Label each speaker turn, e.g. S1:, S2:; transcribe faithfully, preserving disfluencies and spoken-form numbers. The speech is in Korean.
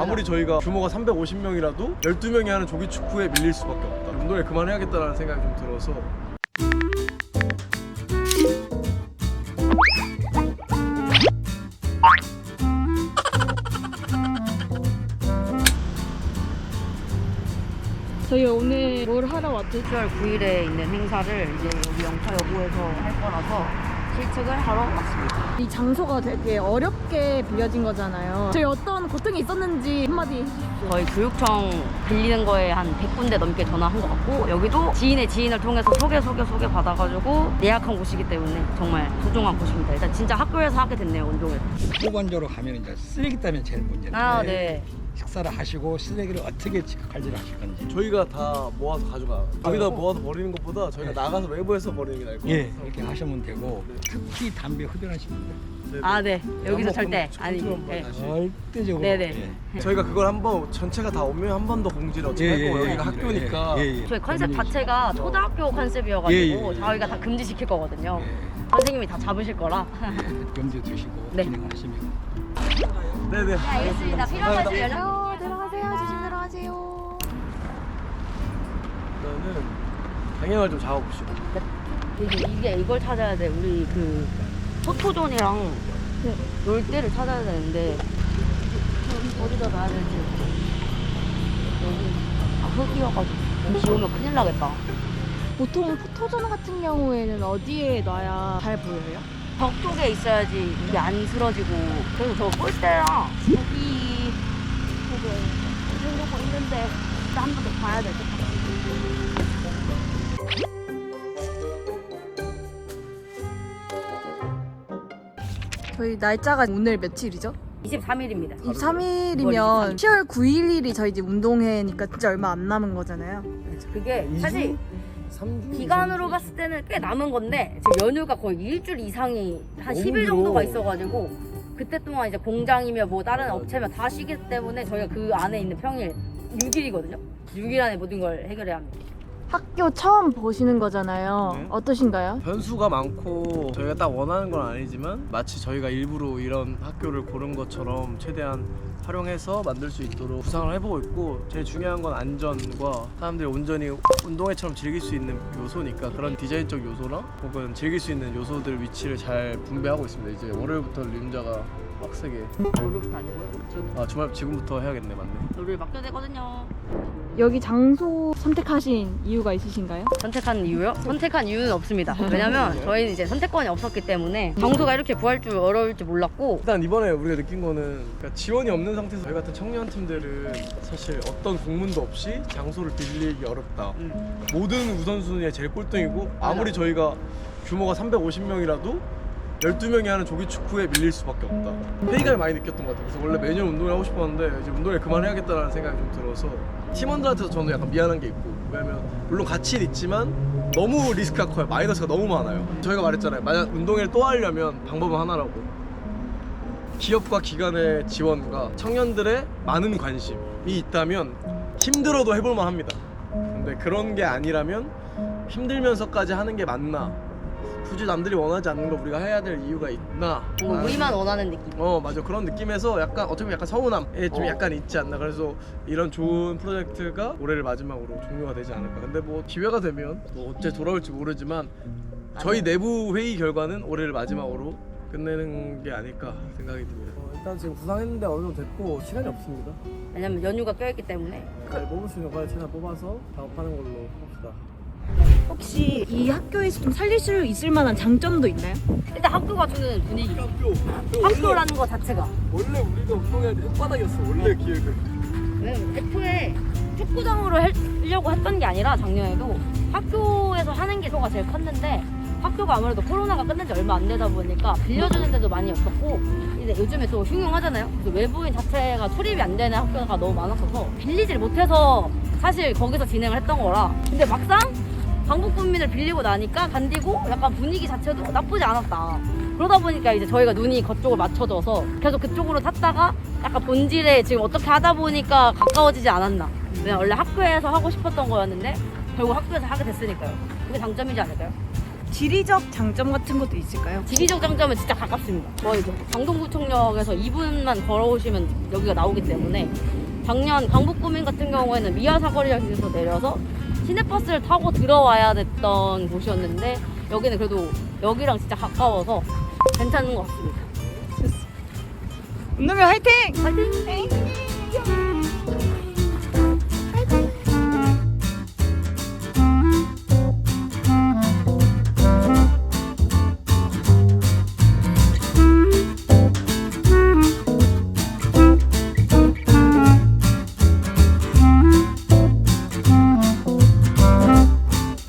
S1: 아무리 저희가 규모가 삼백오십 명이라도 열두 명이 하는 조기 축구에 밀릴 수밖에 없다. 운동을 그만해야겠다라는 생각이 좀 들어서.
S2: 저희 오늘 뭘 하러 왔죠?
S3: 시월 구일에 있는 행사를 이제 여기 영차여고에서 할 거라서 실측을 하러 왔습니다.
S2: 이 장소가 되게 어렵게 빌려진 거잖아요. 저희 어떤 고통이 있었는지 한마디 해주십시오.
S3: 저희 교육청 빌리는 거에 한 백 군데 넘게 전화한 것 같고, 여기도 지인의 지인을 통해서 소개 소개 소개 받아가지고 예약한 곳이기 때문에 정말 소중한 곳입니다. 일단 진짜 학교에서 하게 됐네요, 운동을.
S4: 후반적으로 가면 이제 쓰레기 때문에 제일 문제인데
S3: 아, 네.
S4: 식사를 하시고 쓰레기를 어떻게 관리를 하실 건지.
S1: 저희가 다 모아서 가져가. 여기다 모아서 버리는 것보다 저희가
S4: 네.
S1: 나가서 외부에서 버리는 게 나을 것 같아요.
S4: 예, 이렇게 하시면 되고 특히 담배 흡연하시는 분들
S3: 아, 네. 여기서
S1: 한번
S3: 절대
S1: 공-
S3: 아니.
S1: 한번
S3: 네.
S1: 다시.
S4: 절대적으로
S3: 네네.
S4: 예.
S1: 저희가 그걸 한번 전체가 다 오면 한 번 더 공지를 어떻게 할 거고 여기가 학교니까.
S4: 예, 예, 예.
S3: 저희 컨셉 자체가 초등학교 컨셉이어가지고
S4: 예, 예, 예.
S3: 저희가 다 금지시킬 거거든요.
S4: 예.
S3: 선생님이 다 잡으실 거라.
S4: 염두에 두시고
S3: 네.
S4: 진행하시면.
S1: 네네.
S3: 알겠습니다. 필요한 말씀 연락.
S2: 어, 들어가세요. 조심 들어가세요.
S1: 일단은 방향을 좀 잡아봅시다.
S3: 이게, 이게 이걸 찾아야 돼. 우리 그 포토존이랑
S2: 네.
S3: 놀 때를 찾아야 되는데 어디다 놔야 될지. 여기 아, 흙이어가지고 비 오면 큰일 나겠다.
S2: 보통 포토존 같은 경우에는 어디에 놔야 잘 보여요?
S3: 벽 쪽에 있어야지 이게 안 쓰러지고. 그래서 저 꼴대랑 여기 보고 이런 거 있는데 한 번 더 봐야 될 것 같아.
S2: 저희 날짜가 오늘 며칠이죠?
S3: 이십삼 일입니다.
S2: 이십삼 일이면 시월 구일이 저희 집 운동회니까 진짜 얼마 안 남은 거잖아요.
S3: 그게 사실
S1: 삼 주
S3: 기간으로 봤을 때는 꽤 남은 건데 지금 연휴가 거의 일주일 이상이 한
S1: 너무
S3: 십 일
S1: 길어.
S3: 정도가 있어가지고 그때 동안 이제 공장이며 뭐 다른 업체며 다 쉬기 때문에 저희가 그 안에 있는 평일 육 일이거든요. 육 일 안에 모든 걸 해결해야 합니다.
S2: 학교 처음 보시는 거잖아요.
S1: 네.
S2: 어떠신가요?
S1: 변수가 많고 저희가 딱 원하는 건 아니지만 마치 저희가 일부러 이런 학교를 고른 것처럼 최대한 활용해서 만들 수 있도록 구상을 해보고 있고, 제일 중요한 건 안전과 사람들이 온전히 운동회처럼 즐길 수 있는 요소니까 그런 디자인적 요소나 혹은 즐길 수 있는 요소들 위치를 잘 분배하고 있습니다. 이제 월요일부터 림자가 빡세게
S3: 월요일부터 아니고요. 지금
S1: 아 주말 지금부터 해야겠네. 맞네.
S3: 월요일 맡겨야 되거든요.
S2: 여기 장소 선택하신 이유가 있으신가요?
S3: 선택한 이유요? 선택한 이유는 없습니다. 왜냐면 저희는 이제 선택권이 없었기 때문에 장소가 이렇게 구할 줄 어려울 줄 몰랐고.
S1: 일단 이번에 우리가 느낀 거는 그러니까 지원이 없는 상태에서 저희 같은 청년 팀들은 사실 어떤 공문도 없이 장소를 빌리기 어렵다.
S3: 음.
S1: 모든 우선순위에 제일 꼴등이고 아무리 저희가 규모가 삼백오십 명이라도 열두 명이 하는 조기 축구에 밀릴 수밖에 없다. 회의감을 많이 느꼈던 것 같아요. 그래서 원래 매년 운동을 하고 싶었는데 이제 운동을 그만해야겠다라는 생각이 좀 들어서 팀원들한테도 저는 약간 미안한 게 있고, 왜냐면 물론 가치는 있지만 너무 리스크가 커요. 마이너스가 너무 많아요. 저희가 말했잖아요. 만약 운동회를 또 하려면 방법은 하나라고. 기업과 기관의 지원과 청년들의 많은 관심이 있다면 힘들어도 해볼만 합니다. 근데 그런 게 아니라면 힘들면서까지 하는 게 맞나? 굳이 남들이 원하지 않는 걸 우리가 해야 될 이유가 있나?
S3: 뭐 우리만 원하는 느낌.
S1: 어 맞아, 그런 느낌에서 약간 어떻게 보면 약간 서운함에 좀
S3: 어.
S1: 약간 있지 않나. 그래서 이런 좋은 프로젝트가 올해를 마지막으로 종료가 되지 않을까. 근데 뭐 기회가 되면 뭐 언제 돌아올지 모르지만 저희 내부 회의 결과는 올해를 마지막으로 끝내는 게 아닐까 생각이 듭니다. 어, 일단 지금 구상했는데 어느 정도 됐고 시간이 없습니다.
S3: 왜냐면 연휴가 껴있기 때문에.
S1: 잘 뽑을 수 있는 과를 최대한 뽑아서 작업하는 걸로 합시다.
S2: 혹시 이 학교에서 좀 살릴 수 있을 만한 장점도 있나요?
S3: 일단 학교가 주는 분위기.
S1: 학교
S3: 학교라는 거 자체가.
S1: 원래 우리가 운동해야 될 혓바닥이었어. 원래 기획은.
S3: 왜냐면 애초에 축구장으로 하려고 했던 게 아니라 작년에도 학교에서 하는 게 소가 제일 컸는데, 학교가 아무래도 코로나가 끝난 지 얼마 안 되다 보니까 빌려주는 데도 많이 없었고, 이제 요즘에 또 흉흉하잖아요. 그래서 외부인 자체가 출입이 안 되는 학교가 너무 많았어서 빌리질 못해서 사실 거기서 진행을 했던 거라. 근데 막상 강북군민을 빌리고 나니까 간디고 약간 분위기 자체도 나쁘지 않았다. 그러다 보니까 이제 저희가 눈이 그쪽을 맞춰져서 계속 그쪽으로 탔다가 약간 본질에 지금 어떻게 하다 보니까 가까워지지 않았나. 왜냐면 원래 학교에서 하고 싶었던 거였는데 결국 학교에서 하게 됐으니까요. 그게 장점이지 않을까요?
S2: 지리적 장점 같은 것도 있을까요?
S3: 지리적 장점은 진짜 가깝습니다. 거의 이제 강동구청역에서 이 분만 걸어오시면 여기가 나오기 때문에 작년 강북구민 같은 경우에는 미아사거리역에서 내려서 시내버스를 타고 들어와야 됐던 곳이었는데 여기는 그래도 여기랑 진짜 가까워서 괜찮은 것 같습니다.
S2: 운동회 화이팅!
S3: 화이팅!